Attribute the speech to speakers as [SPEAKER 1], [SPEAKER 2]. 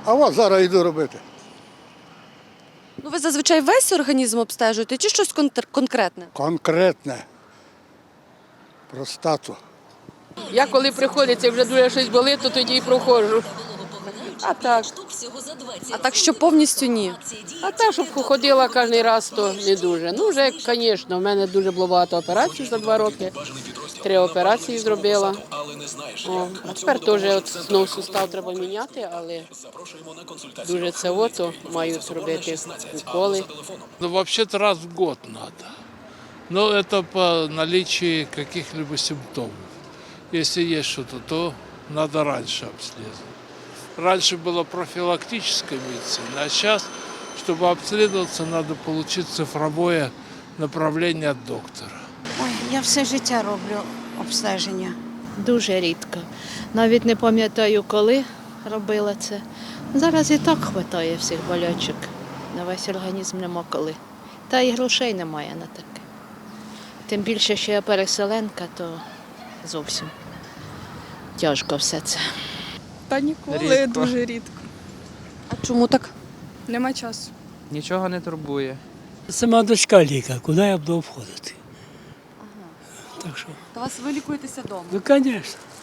[SPEAKER 1] А от зараз йду робити.
[SPEAKER 2] Ну, ви зазвичай весь організм обстежуєте чи щось конкретне?
[SPEAKER 1] Конкретне. Простату.
[SPEAKER 3] Я коли приходиться, вже дуже щось болить, то тоді і проходжу. А так.
[SPEAKER 2] А так, що повністю ні.
[SPEAKER 3] А так, щоб ходила кожен раз, то не дуже. Ну, вже, звісно, в мене дуже було багато операцій за 2 роки. 3 операції зробила. О, а тепер теж от знову сустав треба міняти, але дуже це ото мають робити уколи.
[SPEAKER 4] Ну, вообще-то раз в год надо. Но это по наличии каких-либо симптомов. Если есть что-то, то надо раньше обследовать. Раньше была профилактическая медицина, а сейчас, чтобы обследоваться, надо получить цифровое направление от доктора.
[SPEAKER 5] Ой, я все життя роблю обстеження.
[SPEAKER 6] Дуже рідко. Навіть не пам'ятаю, коли робила це. Зараз і так вистачає всіх болячок. На весь організм нема коли. Та і грошей немає на таке. Тим більше, що я переселенка, то зовсім тяжко все це.
[SPEAKER 7] Та ніколи, дуже рідко.
[SPEAKER 2] А чому так?
[SPEAKER 7] Нема часу.
[SPEAKER 8] Нічого не турбує.
[SPEAKER 9] Сама дочка лікар, куди я буду входити? Так що,
[SPEAKER 2] То вас ви лікуєтеся вдома?
[SPEAKER 9] ну, звісно.